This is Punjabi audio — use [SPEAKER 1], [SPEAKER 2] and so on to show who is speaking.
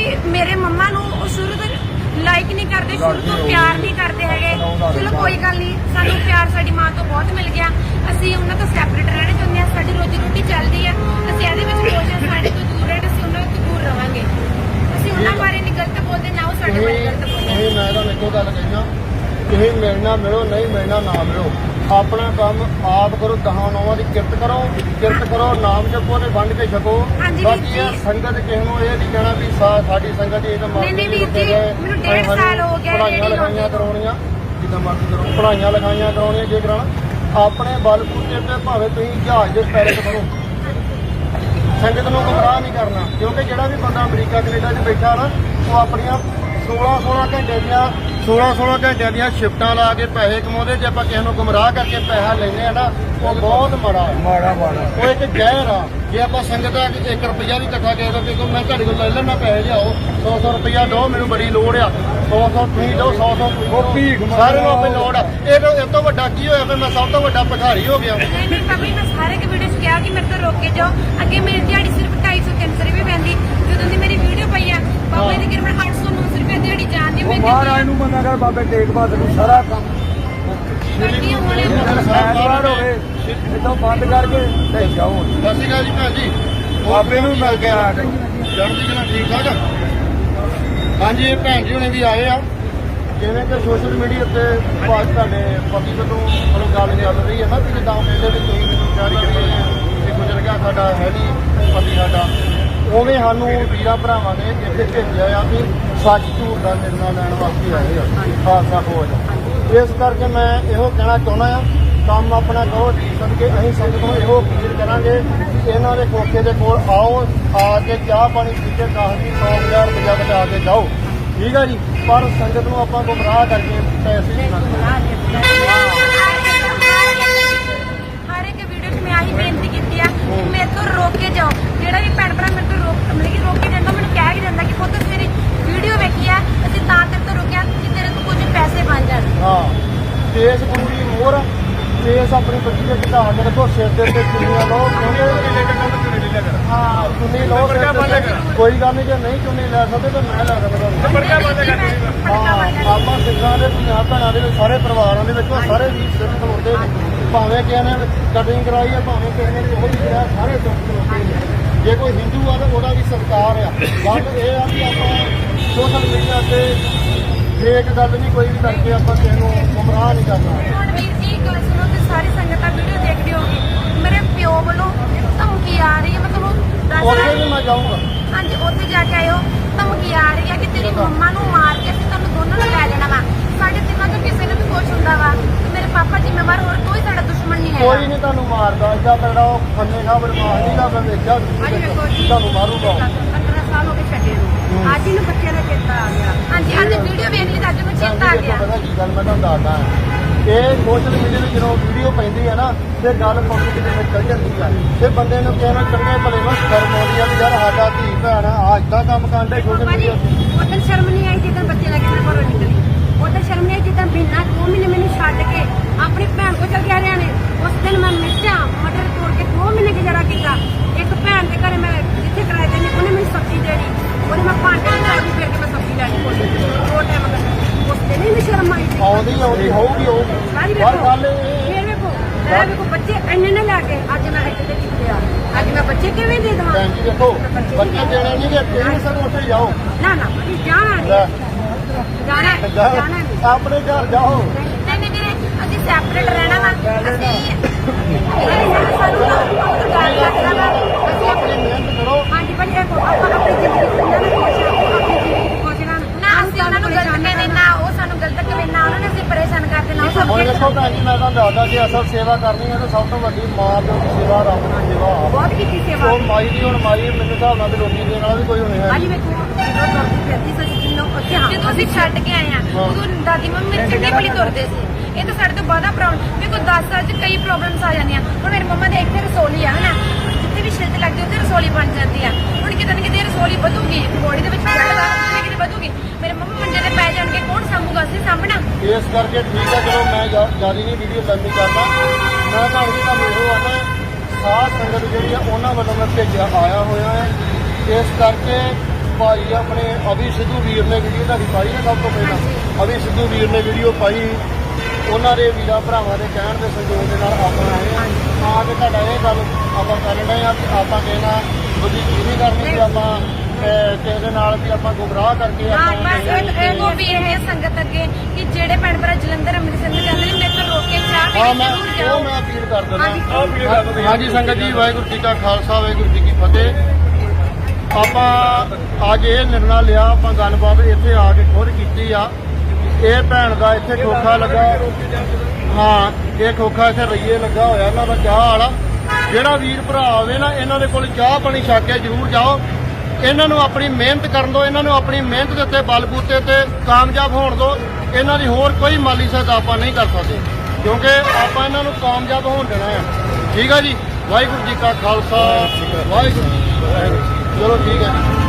[SPEAKER 1] मेरे मम्मा नूं शुरू तो लाइक नहीं करते, शुरू तो प्यार नहीं करते है। चलो कोई गल नहीं, सानू प्यार साडी मां तो बहुत मिल गया। असीं उन्हां तो सैपरेट रहना चाहुंदे हां, साडी रोजी रोटी चलदी है। असीं इहदे विच कोशिश साडे तो दूर है, असीं उन्हां तो दूर रहांगे। असीं उन्हां बारे नहीं गलत बोलदे, ना वो साडे बारे गलत बोलदे।
[SPEAKER 2] मैं तो इक्को गल कहना, तुसीं मिलना मिलो, नहीं मिलना ना मिलो, अपना काम आप करो, दहां नौवां दी किरत करो, नाम जपो ते वंड के छको। बाकी ये संगत किसी नूं ये नहीं कहना भी साडी संगत ये तो
[SPEAKER 1] नहीं वीर जी, मैनूं 1.5 साल हो गया
[SPEAKER 2] पढ़ाइयां लिखाइयां करवाउणियां, जिद्दां मर्जी करो, पढ़ाइयां लिखाइयां करवाउणियां जे कराना अपने बलबूते ते भावें तुसीं जहाज दे पैरट करो, संगत नूं गुमराह नहीं करना। क्योंकि जिहड़ा भी बंदा अमरीका कनेडा 'च बैठा ना, वो अपनियां 16 घंटे ਦੀਆਂ शिफ्टां ला के पैसे कमाਉਂਦੇ। जे ਆਪਾਂ ਕਿਸੇ ਨੂੰ ਗੁੰਮਰਾਹ ਕਰਕੇ ਪੈਸਾ ਲੈਂਦੇ ਆ ਨਾ, ਉਹ ਬਹੁਤ ਮਾੜਾ ਉਹ ਇੱਕ ਜ਼ਹਿਰ ਆ। ਜੇ ਆਪਾਂ ਸੰਗਤ ਦਾ 1 ਰੁਪਈਆ ਵੀ ਇਕੱਠਾ ਕਰਦੇ ਕਿ ਮੈਂ ਤੁਹਾਡੇ ਕੋਲ ਲੈ ਲੈਣਾ ਪੈਸੇ ਲਿਆਓ, 100 ਰੁਪਈਆ ਦਿਓ, ਮੈਨੂੰ ਬੜੀ ਲੋੜ ਆ, 100 ਤੁਸੀਂ ਦਿਓ, 100 ਸਾਰੇ ਨੂੰ ਆਪਣੀ ਲੋੜ ਆ। ਇਹ ਤੋਂ ਵੱਡਾ ਕੀ ਹੋਇਆ? ਫਿਰ ਮੈਂ ਸਭ ਤੋਂ ਵੱਡਾ ਭਿਖਾਰੀ ਹੋ ਗਿਆ।
[SPEAKER 1] नहीं भाभी, मैं सारे के वीडियो च कहा कि मेरे तो रोक के जाओ। अगे मेरी दिहाड़ी सिर्फ 250-300 रुपए पैंदी, जो दी मेरी वीडियो पई है बाबा दी तकरीबन 800-900 रुपए दिहाड़ी जांदी। मैं
[SPEAKER 3] महाराज नूं मंना कर बाबे टेक बहादुर नूं सारा काम
[SPEAKER 1] करदी होणे
[SPEAKER 3] ਐਤਵਾਰ ਹੋਵੇ ਇਦੋਂ ਬੰਦ ਕਰਕੇ ਤੇ ਜਾਓ।
[SPEAKER 2] ਸਤਿ ਸ਼੍ਰੀ ਅਕਾਲ ਜੀ ਭੈਣ ਜੀ,
[SPEAKER 3] ਬਾਬੇ ਨੂੰ ਮਿਲ ਕੇ ਆ ਗਏ।
[SPEAKER 2] ਚੜ੍ਹਦੀ ਕਲਾ ਠੀਕ ਠਾਕ। ਹਾਂਜੀ, ਇਹ ਭੈਣ ਜੀ ਹੁਣੇ ਵੀ ਆਏ ਆ। ਜਿਵੇਂ ਕਿ ਸੋਸ਼ਲ ਮੀਡੀਆ ਤੇ ਬਾਅਦ ਤੁਹਾਡੇ ਪਤੀ ਵੱਲੋਂ ਮਤਲਬ ਗੱਲ ਚੱਲ ਰਹੀ ਹੈ ਨਾ ਵੀ ਜਿੱਦਾਂ ਕਹਿੰਦੇ ਵੀ ਤੁਸੀਂ ਮੈਨੂੰ ਤਿਆਰੀ ਕਰੀ ਤੇ ਗੁਜ਼ਰ ਗਿਆ ਸਾਡਾ ਹੈ ਨਹੀਂ ਪਤੀ ਸਾਡਾ, ਉਵੇਂ ਸਾਨੂੰ ਵੀਰਾਂ ਭਰਾਵਾਂ ਨੇ ਇੱਥੇ ਭੇਜਿਆ ਆ ਵੀ ਸੱਚ ਝੂਠ ਦਾ ਨਿਰਣਾ ਲੈਣ ਵਾਸਤੇ ਆਏ ਆ ਖਾਲਸਾ ਫੌਜ। ਇਸ ਕਰਕੇ ਮੈਂ ਇਹੋ ਕਹਿਣਾ ਚਾਹੁੰਦਾ ਆ, ਕੰਮ ਆਪਣਾ ਕਰੋ ਜੀ ਸਦਕੇ। ਅਸੀਂ ਸੰਗਤ ਨੂੰ ਇਹੋ ਅਪੀਲ ਕਰਾਂਗੇ ਕਿ ਇਹਨਾਂ ਦੇ ਕੋਠੇ ਦੇ ਕੋਲ ਆਓ, ਆ ਕੇ ਚਾਹ ਪਾਣੀ ਪੀ ਕੇ 10,000 ਰੁਪਇਆ ਬਚਾ ਕੇ ਜਾਓ, ਠੀਕ ਆ ਜੀ। ਪਰ ਸੰਗਤ ਨੂੰ ਆਪਾਂ ਗੁੰਮਰਾਹ ਕਰਕੇ ਪੈਸੇ ਨਹੀਂ ਮੰਗਦੇ।
[SPEAKER 1] हर एक वीडियो में आही बेनती की है कि मेरे तो रोक के जाओ। जेड़ा भी भैन भरा मेरे तो रोक के जाता, मैंने कह के जाता कि पुत्त तेरी वीडियो वेखी है, असं तेरे तो रोकिया कि तेरे तो कुछ पैसे बन जाए।
[SPEAKER 2] हाँ, केस गुरु की मोहर, केस अपनी बच्ची के घटा के रखो, सिर के उत्ते चुन्नियां लो, हाँ चुन्नी लो, कोई गल नहीं। जे नहीं चुन्नी लै सकते तो मैं लै सकदा। हाँ, ਆਪਾਂ ਸਿੱਖਾਂ ਦੇ ਪੰਜਾਬ ਭੈਣਾਂ ਦੇ ਵਿੱਚ ਸਾਰੇ ਪਰਿਵਾਰਾਂ ਦੇ ਵਿੱਚ ਸਾਰੇ ਵੀਰ ਸਿਰ ਖਲੋਤੇ ਨੇ, ਭਾਵੇਂ ਕਿਸੇ ਨੇ ਕਟਿੰਗ ਕਰਾਈ ਹੈ, ਭਾਵੇਂ ਕਿਸੇ ਨੇ ਕੋਈ ਵੀ ਕਰਾਇਆ, ਸਾਰੇ ਸਿਰ ਖਲੋਤੇ ਨੇ। ਜੇ ਕੋਈ ਹਿੰਦੂ ਆ ਤਾਂ ਉਹਦਾ ਵੀ ਸਤਿਕਾਰ ਆ। ਗੱਲ ਇਹ ਆ ਕਿ ਆਪਾਂ ਸੋਸ਼ਲ ਮੀਡੀਆ ਤੇ ਫੇਕ ਗੱਲ ਨਹੀਂ ਕੋਈ ਵੀ ਕਰਕੇ ਆਪਾਂ ਕਿਸੇ ਨੂੰ ਗੁੰਮਰਾਹ ਨਹੀਂ ਕਰਨਾ।
[SPEAKER 1] ਹੁਣ ਵੀਰ ਜੀ ਗੱਲ ਸੁਣੋ ਤੇ ਸਾਰੀ ਸੰਗਤਾਂ ਵੀਡੀਓ ਦੇਖਦੇ ਹੋਗੇ, ਮੇਰੇ ਪਿਓ ਵੱਲੋਂ ਧਮਕੀ ਆ ਰਹੀ ਹੈ। ਮੈਂ ਤੁਹਾਨੂੰ ਦੱਸ
[SPEAKER 2] ਉਹਦੇ
[SPEAKER 1] ਰਹੀ
[SPEAKER 2] ਵੀ ਮੈਂ ਜਾਊਂਗਾ।
[SPEAKER 1] ਹਾਂਜੀ, ਉੱਥੇ ਜਾ ਕੇ ਆਇਓ। ਧਮਕੀ ਆ ਰਹੀ ਹੈ ਕਿ ਤੇਰੀ ਮੰਮਾ ਨੂੰ ਮਾਰ ਕੇ ਅਸੀਂ ਤੁਹਾਨੂੰ ਦੋਨਾਂ ਨੂੰ ਲੈ ਲੈਣਾ ਵਾ। ਸਾਡੇ ਤਿੰਨਾਂ ਚੋਂ ਕਿਸੇ ਨੂੰ ਵੀ ਕੁਛ ਹੁੰਦਾ ਵਾ ਤੇ ਮੇਰੇ ਪਾਪਾ ਜ਼ਿੰਮੇਵਾਰ, ਹੋਰ ਕੋਈ ਸਾਡਾ ਦੁਸ਼ਮਣ ਨਹੀਂ
[SPEAKER 2] ਕੋਈ
[SPEAKER 1] ਹੈਗਾ।
[SPEAKER 2] ਨਹੀਂ ਤੁਹਾਨੂੰ ਮਾਰਦਾ, ਏਦਾਂ ਤਗੜਾ ਉਹ ਖੰਨੇ ਖਾਂ ਬਦਮਾਸ਼ ਨਹੀਂ ਦਾ। ਮੈਂ ਵੇਖਿਆ ਤੁਹਾਨੂੰ ਮਾਰੂਗਾ।
[SPEAKER 1] 15 ਸਾਲ ਹੋ ਗਏ ਛੱਡੇ ਨੂੰ, ਅੱਜ ਇਹਨੂੰ ਬੱਚਿਆਂ ਦਾ ਚੇਤਾ ਆ ਗਿਆ। ਹਾਂਜੀ, ਅੱਜ ਵੀਡੀਓ ਵੇਖ ਲਈ ਤਾਂ ਅੱਜ ਨੂੰ ਚੇਤਾ ਆ ਗਿਆ।
[SPEAKER 2] ਪਤਾ ਕੀ ਗੱਲ ਮੈਂ ਤੁਹਾਨੂੰ ਦੱਸਦਾ, ਇਹ ਸੋਸ਼ਲ ਮੀਡੀਆ ਤੇ ਜਦੋਂ ਵੀਡੀਓ ਪੈਂਦੀ ਹੈ ਨਾ ਤੇ ਗੱਲ ਪਬਲਿਕ ਦੇ ਵਿੱਚ ਚੱਲ ਜਾਂਦੀ ਆ। ਤੇ ਬੰਦੇ ਨੂੰ ਕਹਿਣਾ ਚੰਗੇ ਭਲੇ ਨੂੰ ਸ਼ਰਮ ਆਉਂਦੀ ਆ ਵੀ ਯਾਰ ਸਾਡਾ ਧੀ ਭੈਣ ਆ ਏਦਾਂ ਕੰਮ ਕਰਦੇ ਸੋਸ਼ਲ ਮੀਡੀਆ ਤੇ।
[SPEAKER 1] ਉਦੋਂ ਸ਼ਰਮ ਨਹੀਂ ਆਈ ਜਿੱਦਾਂ ਬੱਚੇ ਲੈ ਕੇ ਮੈਂ ਘਰੋਂ ਨਿਕਲੀ। ਉਦੋਂ ਸ਼ਰਮ ਨਹੀਂ ਆਈ ਜਿੱਦਾਂ ਮਹੀਨਾ 2 ਮਹੀਨੇ ਮੈਨੂੰ ਛੱਡ ਕੇ ਆਪਣੀ ਭੈਣ ਕੋਲ ਚਲ ਗਿਆ ਹਰਿਆਣੇ। ਉਸ ਦਿਨ ਮੈਂ ਮਿਰਚਾਂ ਮਟਰ ਤੋੜ ਕੇ 2 ਮਹੀਨੇ ਗੁਜ਼ਾਰਾ ਕੀਤਾ। ਇੱਕ ਭੈਣ ਦੇ ਘਰੇ ਮੈਂ ਜਿੱਥੇ ਕਿਰਾਏ ਤੇ ਉਹਨੇ ਮੈਨੂੰ ਸਬਜ਼ੀ ਦੇਣੀ, ਉਹਨੇ ਮੈਂ ਭਾਂਡੇ ਲੈ ਕੇ ਫਿਰ ਕੇ ਮੈਂ ਸਬਜ਼ੀ ਲੈਣੀ ਕੋਲ ਦੋ ਟਾਈਮ ਕਰ। ਉਸ ਦਿਨ ਹੀ ਮੈਨੂੰ ਸ਼ਰਮ ਆਈ ਸੀ।
[SPEAKER 2] ਆਉਂਦੀ ਹੋਊਗੀ ਪਰ ਗੱਲ
[SPEAKER 1] ਫਿਰ ਵੇਖੋ ਬੱਚੇ ਇੰਨੇ ਨਾ ਲੈ ਕੇ ਅੱਜ ਮੈਂ ਇੱਥੇ ਕਿੱਥੇ ਆ, ਅੱਜ ਮੈਂ ਬੱਚੇ ਕਿਵੇਂ ਦੇ ਦੇਵਾਂ?
[SPEAKER 2] ਭੈਣ ਜੀ ਦੇਖੋ, ਬੱਚੇ ਦੇਣੇ ਨਹੀਂ ਕਿ ਤੁਸੀਂ ਸਭ ਉੱਥੇ ਜਾਓ।
[SPEAKER 1] ਨਾ ਭਾਜੀ ਜਾਣਾ ਨਹੀਂ, ਜਾਣਾ ਨਹੀਂ।
[SPEAKER 2] ਆਪਣੇ ਘਰ ਜਾਓ।
[SPEAKER 1] ਨਹੀਂ ਵੀਰੇ, ਅਸੀਂ ਸੈਪਰੇਟ ਰਹਿਣਾ ਵਾ। ਅਸੀਂ ਸਾਨੂੰ ਗੱਲ ਕਰਨਾ ਵਾ। ਅਸੀਂ
[SPEAKER 2] ਆਪਣੀ ਮਿਹਨਤ ਕਰੋ।
[SPEAKER 1] ਹਾਂਜੀ ਭਾਜੀ, ਆਪਾਂ ਆਪਣੀ ਜ਼ਿੰਦਗੀ ਖੁਸ਼ ਰਹਿਣਾ, ਆਪਣੀ ਜ਼ਿੰਦਗੀ ਖੁਸ਼ ਰਹਿਣਾ। ਨਾ ਅਸੀਂ ਉਹਨਾਂ ਨੂੰ ਗਲਤ ਕਹਿੰਦੇ, ਨਾ ਉਹ ਸਾਨੂੰ ਗਲਤ ਕਹਿੰਦੇ, ਨਾ ਉਹਨਾਂ ਨੇ ਅਸੀਂ ਪਰੇਸ਼ਾਨ ਕਰਦੇ, ਨਾ ਉਹ
[SPEAKER 2] ਹੁਣ ਦੇਖੋ ਭੈਣ ਜੀ, ਮੈਂ ਤੁਹਾਨੂੰ ਦੱਸਦਾ ਕਿ ਅਸਲ ਸੇਵਾ ਕਰਨੀ ਹੈ ਤਾਂ ਸਭ ਤੋਂ ਵੱਡੀ ਮਾਂ ਪਿਓ ਦੀ ਸੇਵਾ, ਰੱਬ ਦੀ ਸੇਵਾ ਆ।
[SPEAKER 1] ਬਹੁਤ ਕੀਤੀ ਸੇਵਾ।
[SPEAKER 2] ਉਹ ਮਾਈ ਦੀ ਹੁਣ ਮਾਈ ਮੈਨੂੰ ਹਿਸਾਬ ਨਾਲ ਤੇ ਰੋਟੀ ਦੇਣ ਵਾਲਾ ਵੀ ਕੋਈ ਹੋਣੇ ਹੈ।
[SPEAKER 1] ਭਾਜੀ ਵੇਖੋ, ਜਦੋਂ ਤੁਰਦੀ ਫਿਰਦੀ ਸੀ ਜਿੰਨੋਂ ਉੱਥੇ ਜਦੋਂ ਅਸੀਂ ਛੱਡ ਕੇ ਆਏ ਆ, ਉਦੋਂ ਦਾਦੀ ਮੰਮੀ ਮੇਰੇ ਚੰਗੇ ਭਲੀ ਤੁਰਦੇ ਸੀ। ਇਹ ਤਾਂ ਸਾਡੇ ਤੋਂ ਬਾਅਦ ਪ੍ਰੋਬਲਮ, ਵੇਖੋ 10 ਸਾਲ 'ਚ ਕਈ ਪ੍ਰੋਬਲਮਸ ਆ ਜਾਂਦੀਆਂ। ਹੁਣ ਮੇਰੀ ਮੰਮਾ ਦੇ ਇੱਥੇ ਰਸੋਲੀ ਆ ਹਨਾ, ਜਿੱਥੇ ਵੀ ਛਿਲਤ ਲੱਗਦੀ ਉੱਥੇ ਰਸੋਲੀ ਬਣ ਜਾਂਦੀ ਆ। ਹੁਣ ਕਿਤੇ ਨਾ ਕਿਤੇ ਰਸੋਲੀ ਵਧੂਗੀ, ਬੋਡੀ ਦੇ ਵਿੱਚ ਕਿਤੇ ਵਧੂਗੀ, ਮੇਰੇ ਮੰਮਾ ਮੰਜੇ ਤੇ ਪੈ ਜਾਣਗੇ, ਕੌਣ ਸਾਂਭੂਗਾ? ਅਸੀਂ ਸਾਂਭਣਾ।
[SPEAKER 2] ਇਸ ਕਰਕੇ ਠੀਕ ਹੈ, ਚਲੋ ਮੈਂ ਜ਼ਿਆਦਾ ਨਹੀਂ ਵੀਡੀਓ ਲੰਮੀ ਕਰਦਾ। ਮੈਂ ਤੁਹਾਨੂੰ ਇਹੋ ਆਣਾ, ਸਾਧ ਸੰਗਤ ਜਿਹੜੀ ਆ ਉਹਨਾਂ ਵੱਲੋਂ ਮੈਂ ਭੇਜਿਆ ਆਇਆ ਹੋਇਆ ਹੈ। ਇਸ ਕਰਕੇ ਭਾਈ ਆਪਣੇ ਅਭੀ ਸਿੱਧੂ ਵੀਰ ਨੇ ਵੀਡੀਓ ਤੁਹਾਡੀ ਪਾਈ ਨਾ ਸਭ ਤੋਂ ਪਹਿਲਾਂ ਅਭੀ ਸਿੱਧੂ ਵੀਰ ਨੇ ਵੀਡੀਓ ਪਾਈ ਉਹਨਾਂ ਦੇ ਵੀਰਾਂ ਭਰਾਵਾਂ ਦੇ ਕਹਿਣ ਦੇ ਸੰਯੋਗ ਦੇ ਨਾਲ ਆਪਾਂ ਆਏ ਆ ਕੇ ਤੁਹਾਡਾ ਇਹ ਗੱਲ ਆਪਾਂ ਕਰਨ ਡਏ ਆ ਕਿ ਆਪਾਂ ਕਹਿਣਾ ਬੁੱਧੀ ਨਹੀਂ ਕਰਨੀ ਕਿ ਆਪਾਂ ਕਿਸੇ ਦੇ ਨਾਲ ਵੀ ਆਪਾਂ ਗੁੰਮਰਾਹ ਕਰਕੇ
[SPEAKER 1] ਹਾਂ
[SPEAKER 2] ਆਪਾਂ
[SPEAKER 1] ਬਸ ਇਹ ਵੀ ਇਹ ਸੰਗਤ ਅੱਗੇ ਕਿ ਜਿਹੜੇ ਭੈਣ ਭਰਾ ਜਲੰਧਰ ਅੰਮ੍ਰਿਤਸਰ ਨੂੰ ਜਾਂਦੇ ਨੇ ਮੇਰੇ ਤੋਂ ਰੋਕ ਕੇ ਚਾਹ
[SPEAKER 2] ਹਾਂ
[SPEAKER 1] ਪੀ
[SPEAKER 2] ਮੈਂ
[SPEAKER 1] ਕੇ ਜ਼ਰੂਰ
[SPEAKER 2] ਉਹ ਮੈਂ
[SPEAKER 1] ਜਾਓ।
[SPEAKER 2] ਅਪੀਲ ਕਰ
[SPEAKER 1] ਹਾਂਜੀ।
[SPEAKER 2] ਦਿੰਦਾ ਹਾਂਜੀ ਸੰਗਤ ਜੀ ਵਾਹਿਗੁਰੂ ਜੀ ਕਾ ਖਾਲਸਾ ਵਾਹਿਗੁਰੂ ਜੀ ਕੀ ਫਤਿਹ ਆਪਾਂ ਅੱਜ ਇਹ ਨਿਰਣਾ ਲਿਆ ਆਪਾਂ ਗੱਲਬਾਤ ਇੱਥੇ ਆ ਕੇ ਖੁਦ ਕੀਤੀ ਆ ਇਹ ਭੈਣ ਦਾ ਇੱਥੇ ਖੋਖਾ ਲੱਗਾ ਹਾਂ ਇਹ ਖੋਖਾ ਇੱਥੇ ਰਈਏ ਲੱਗਾ ਹੋਇਆ ਇਹਨਾਂ ਦਾ ਚਾਹ ਵਾਲਾ ਜਿਹੜਾ ਵੀਰ ਭਰਾ ਆਵੇ ਨਾ ਇਹਨਾਂ ਦੇ ਕੋਲ ਚਾਹ ਪਾਣੀ ਛਕ ਕੇ ਜ਼ਰੂਰ ਜਾਓ ਇਹਨਾਂ ਨੂੰ ਆਪਣੀ ਮਿਹਨਤ ਕਰਨ ਦਿਓ ਇਹਨਾਂ ਨੂੰ ਆਪਣੀ ਮਿਹਨਤ ਦੇ ਉੱਤੇ ਬਲਬੂਤੇ ਤੇ ਕਾਮਯਾਬ ਹੋਣ ਦਿਓ ਇਹਨਾਂ ਦੀ ਹੋਰ ਕੋਈ ਮਾਲੀ ਸਹਾਇਤਾ ਆਪਾਂ ਨਹੀਂ ਕਰ ਸਕਦੇ ਕਿਉਂਕਿ ਆਪਾਂ ਇਹਨਾਂ ਨੂੰ ਕਾਮਯਾਬ ਹੋਣ ਦੇਣਾ ਹੈ ਠੀਕ ਆ ਜੀ ਵਾਹਿਗੁਰੂ ਜੀ ਕਾ ਖਾਲਸਾ ਵਾਹਿਗੁਰੂ ਜੀ ਕੀ ਫਤਿਹ ਚਲੋ ਠੀਕ ਹੈ ਜੀ